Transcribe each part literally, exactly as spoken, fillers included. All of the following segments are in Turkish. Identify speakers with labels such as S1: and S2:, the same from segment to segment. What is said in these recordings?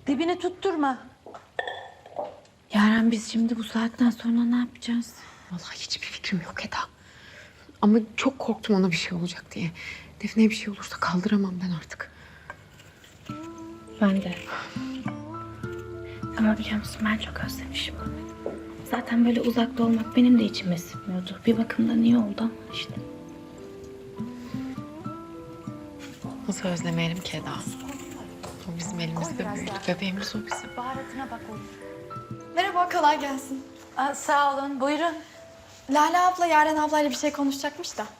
S1: Dibini tutturma.
S2: Yaren biz şimdi bu saatten sonra ne yapacağız?
S3: Vallahi hiçbir fikrim yok Eda. Ama çok korktum ona bir şey olacak diye. Defne'ye bir şey olursa kaldıramam ben artık.
S2: Ben de. Ama biliyor musun ben çok özlemişim onu. Zaten böyle uzakta olmak benim de içime sinmiyordu. Bir bakımdan iyi oldu ama işte.
S3: Nasıl özlemeyelim ki Eda? O bizim elimizde büyüdü. Bebeğimiz o bizim.
S1: Baharatına bak oğlum.
S4: Merhaba, kolay gelsin.
S1: Aa, sağ olun, buyurun.
S4: Lale abla Yaren ablayla bir şey konuşacakmış da.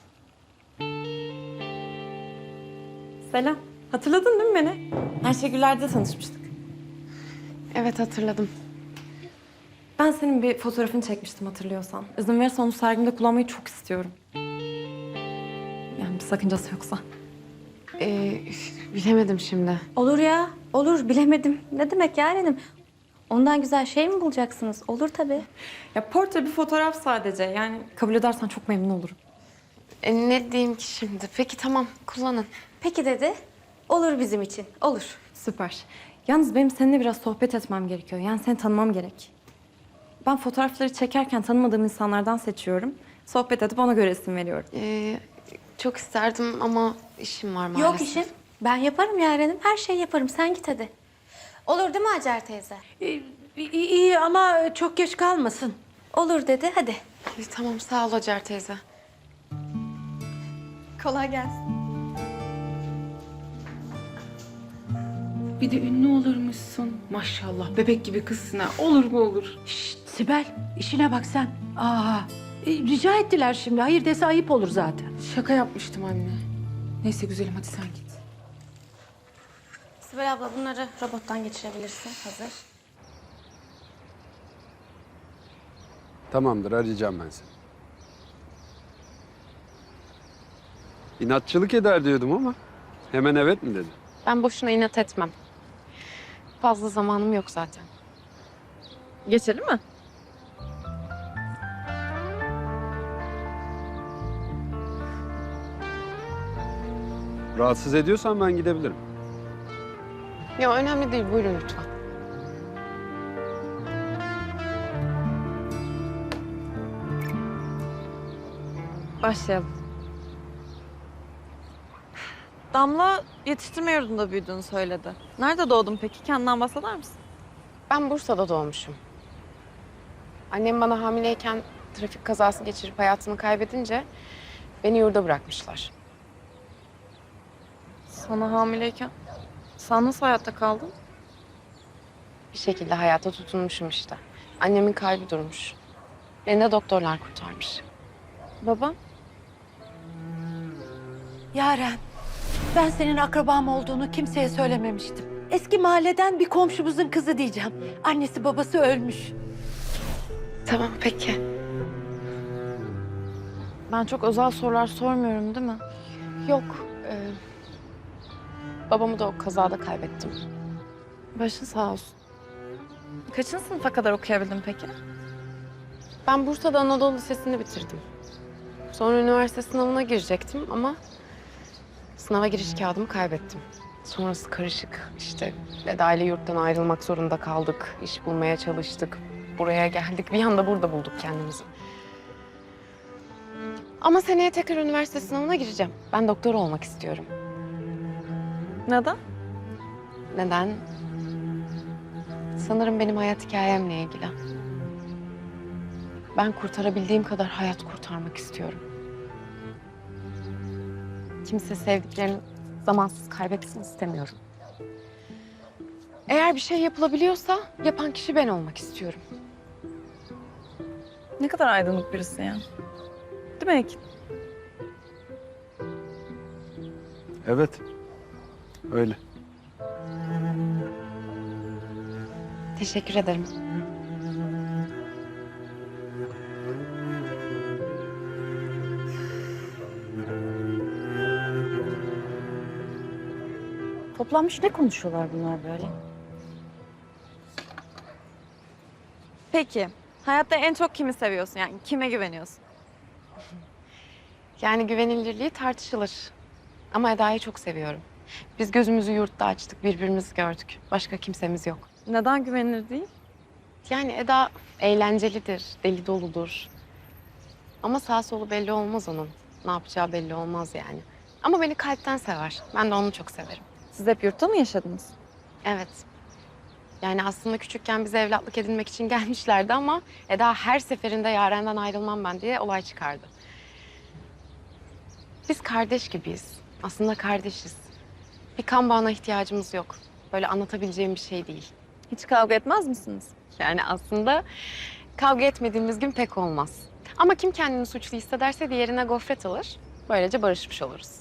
S5: Selam. Hatırladın değil mi beni? Ayşegüller'de tanışmıştık.
S3: Evet hatırladım.
S5: Ben senin bir fotoğrafını çekmiştim hatırlıyorsan. İzin verirsen onu sergimde kullanmayı çok istiyorum. Yani bir sakıncası yoksa.
S3: Ee, bilemedim şimdi.
S2: Olur ya, olur bilemedim. Ne demek Yaren'im? Ondan güzel şey mi bulacaksınız? Olur tabii.
S5: Ya portre bir fotoğraf sadece. Yani kabul edersen çok memnun olurum.
S3: E, ne diyeyim ki şimdi? Peki tamam kullanın.
S2: Peki dedi. Olur bizim için, olur.
S5: Süper. Yalnız benim seninle biraz sohbet etmem gerekiyor. Yani seni tanımam gerek. Ben fotoğrafları çekerken tanımadığım insanlardan seçiyorum. Sohbet edip ona göre isim veriyorum.
S3: Ee, çok isterdim ama işim var maalesef.
S2: Yok işim. Ben yaparım Yaren'im. Her şeyi yaparım. Sen git hadi. Olur değil mi Hacer teyze?
S1: Ee, iyi, iyi ama çok geç kalmasın.
S2: Olur dedi. Hadi.
S3: E, tamam sağ ol Hacer teyze.
S4: Kolay gelsin.
S6: Bir de ünlü olurmuşsun. Maşallah bebek gibi kızsın ha. Olur mu olur?
S1: Şşt, Sibel, işine bak sen. Aa, e, rica ettiler şimdi. Hayır dese ayıp olur zaten.
S6: Şaka yapmıştım anne. Neyse güzelim hadi sen git.
S2: Sibel abla bunları robottan geçirebilirsin. Hazır.
S7: Tamamdır, arayacağım ben seni. İnatçılık eder diyordum ama hemen evet mi dedin?
S3: Ben boşuna inat etmem. Fazla zamanım yok zaten. Geçelim mi?
S7: Rahatsız ediyorsan ben gidebilirim.
S3: Ya önemli değil buyurun lütfen.
S5: Başlayalım. Damla yetiştirme yurdunda büyüdüğünü söyledi. Nerede doğdun peki? Kendinden bahseder misin?
S3: Ben Bursa'da doğmuşum. Annem bana hamileyken trafik kazası geçirip hayatını kaybedince beni yurda bırakmışlar.
S5: Sana hamileyken sen nasıl hayatta kaldın?
S3: Bir şekilde hayata tutunmuşum işte. Annemin kalbi durmuş. Beni de doktorlar kurtarmış.
S5: Baba?
S1: Yaren, ben senin akrabam olduğunu kimseye söylememiştim. Eski mahalleden bir komşumuzun kızı diyeceğim. Annesi babası ölmüş.
S3: Tamam peki.
S5: Ben çok özel sorular sormuyorum değil mi?
S3: Yok. e, babamı da o kazada kaybettim.
S5: Başın sağ olsun. Kaçıncı sınıfa kadar okuyabildin peki?
S3: Ben Bursa'da Anadolu Lisesi'ni bitirdim. Sonra üniversite sınavına girecektim ama sınava giriş kağıdımı kaybettim. Sonrası karışık. İşte Eda ile yurttan ayrılmak zorunda kaldık. İş bulmaya çalıştık. Buraya geldik. Bir anda burada bulduk kendimizi. Ama seneye tekrar üniversite sınavına gireceğim. Ben doktor olmak istiyorum.
S5: Neden?
S3: Neden? Sanırım benim hayat hikayemle ilgili. Ben kurtarabildiğim kadar hayat kurtarmak istiyorum. Kimse sevdiklerini zamansız kaybetsin istemiyorum. Eğer bir şey yapılabiliyorsa yapan kişi ben olmak istiyorum.
S5: Ne kadar aydınlık birisin ya. Değil mi Ekin?
S7: Evet, öyle.
S3: Teşekkür ederim.
S2: Toplanmış ne konuşuyorlar bunlar böyle?
S5: Peki, hayatta en çok kimi seviyorsun? Yani kime güveniyorsun?
S3: Yani güvenilirliği tartışılır. Ama Eda'yı çok seviyorum. Biz gözümüzü yurtta açtık, birbirimizi gördük. Başka kimsemiz yok.
S5: Neden güvenilir değil?
S3: Yani Eda eğlencelidir, deli doludur. Ama sağ solu belli olmaz onun. Ne yapacağı belli olmaz yani. Ama beni kalpten sever. Ben de onu çok severim.
S5: Siz hep yurtta mı yaşadınız?
S3: Evet. Yani aslında küçükken bize evlatlık edinmek için gelmişlerdi ama Eda her seferinde Yaren'den ayrılmam ben diye olay çıkardı. Biz kardeş gibiyiz. Aslında kardeşiz. Bir kan bağına ihtiyacımız yok. Böyle anlatabileceğim bir şey değil.
S5: Hiç kavga etmez misiniz?
S3: Yani aslında kavga etmediğimiz gün pek olmaz. Ama kim kendini suçlu hissederse diğerine gofret alır. Böylece barışmış oluruz.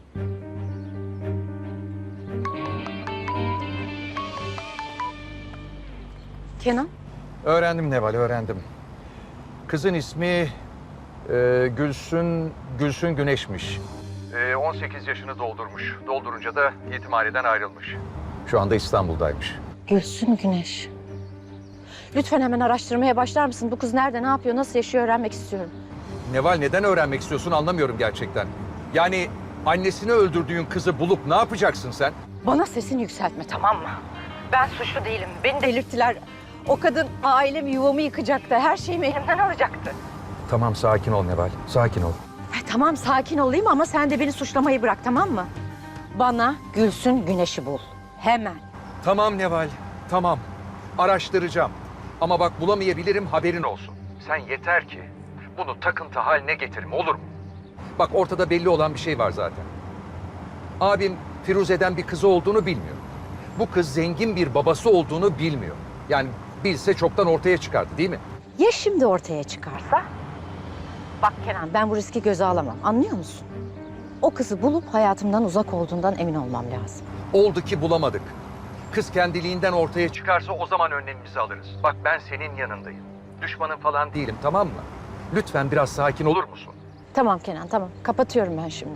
S5: Kenan?
S8: Öğrendim Neval, öğrendim. Kızın ismi e, Gülsün, Gülsün Güneş'miş. E, on sekiz yaşını doldurmuş. Doldurunca da yetimhaneden ayrılmış. Şu anda İstanbul'daymış.
S9: Gülsün Güneş. Lütfen hemen araştırmaya başlar mısın? Bu kız nerede, ne yapıyor, nasıl yaşıyor öğrenmek istiyorum.
S8: Neval, neden öğrenmek istiyorsun anlamıyorum gerçekten. Yani annesini öldürdüğün kızı bulup ne yapacaksın sen?
S9: Bana sesini yükseltme, tamam mı? Ben suçlu değilim. Beni delirttiler. O kadın ailemi, yuvamı yıkacaktı. Her şeyimi elimden alacaktı.
S8: Tamam, sakin ol Neval, sakin ol.
S9: Ay, tamam sakin olayım ama sen de beni suçlamayı bırak, tamam mı? Bana Gülsün Güneş'i bul. Hemen.
S8: Tamam Neval, tamam. Araştıracağım. Ama bak bulamayabilirim, haberin olsun. Sen yeter ki bunu takıntı haline getirme, olur mu? Bak ortada belli olan bir şey var zaten. Abim Firuze'den bir kızı olduğunu bilmiyor. Bu kız zengin bir babası olduğunu bilmiyor. Yani bilse çoktan ortaya çıkardı, değil mi?
S9: Ya şimdi ortaya çıkarsa? Bak Kenan, ben bu riski göze alamam. Anlıyor musun? O kızı bulup hayatımdan uzak olduğundan emin olmam lazım.
S8: Oldu ki bulamadık. Kız kendiliğinden ortaya çıkarsa o zaman önlemimizi alırız. Bak ben senin yanındayım. Düşmanın falan değilim, tamam mı? Lütfen biraz sakin olur musun?
S9: Tamam Kenan, tamam. Kapatıyorum ben şimdi.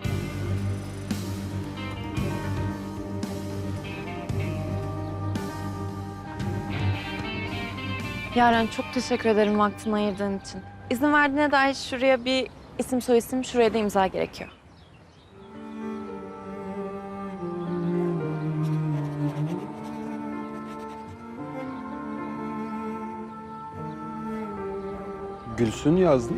S5: Yaren çok teşekkür ederim vaktini ayırdığın için. İzin verdiğine dair şuraya bir isim soyisim, şuraya da imza gerekiyor.
S7: Gülsün yazdın.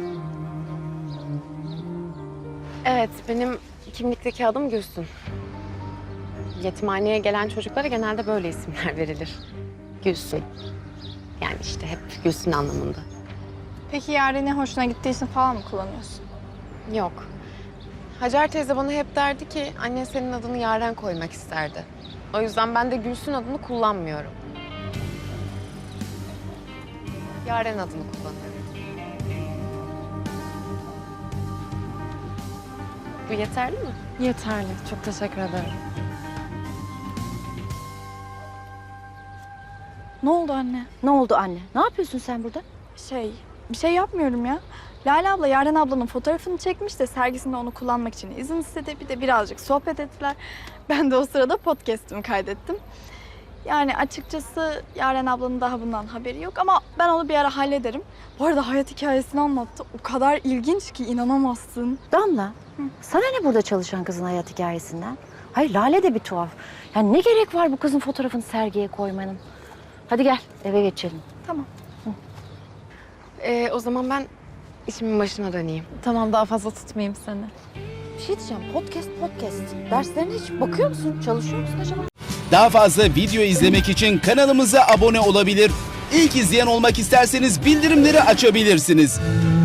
S3: Evet, benim kimlikteki adım Gülsün. Yetimhaneye gelen çocuklara genelde böyle isimler verilir. Gülsün. Yani işte hep Gülsün anlamında.
S4: Peki Yaren'in hoşuna gittiği için falan mı kullanıyorsun?
S3: Yok. Hacer teyze bana hep derdi ki annen senin adını Yaren koymak isterdi. O yüzden ben de Gülsün adını kullanmıyorum. Yaren adını kullanıyorum. Bu yeterli mi?
S5: Yeterli. Çok teşekkür ederim.
S4: Ne oldu anne?
S9: Ne oldu anne? Ne yapıyorsun sen burada?
S4: Şey, bir şey yapmıyorum ya. Lale abla Yaren ablanın fotoğrafını çekmiş de sergisinde onu kullanmak için izin istedi. Bir de birazcık sohbet ettiler. Ben de o sırada podcast'imi kaydettim. Yani açıkçası Yaren ablanın daha bundan haberi yok ama ben onu bir ara hallederim. Bu arada hayat hikayesini anlattı. O kadar ilginç ki inanamazsın.
S9: Damla, Hı. sana ne burada çalışan kızın hayat hikayesinden? Hayır, Lale de bir tuhaf. Yani ne gerek var bu kızın fotoğrafını sergiye koymanın? Hadi gel, eve geçelim.
S4: Tamam.
S3: Ee, o zaman ben işimin başına döneyim.
S5: Tamam, daha fazla tutmayayım seni.
S9: Bir şey diyeceğim, podcast podcast. Derslerine hiç bakıyor musun? Çalışıyor musun acaba?
S10: Daha fazla video izlemek için kanalımıza abone olabilir. İlk izleyen olmak isterseniz bildirimleri açabilirsiniz.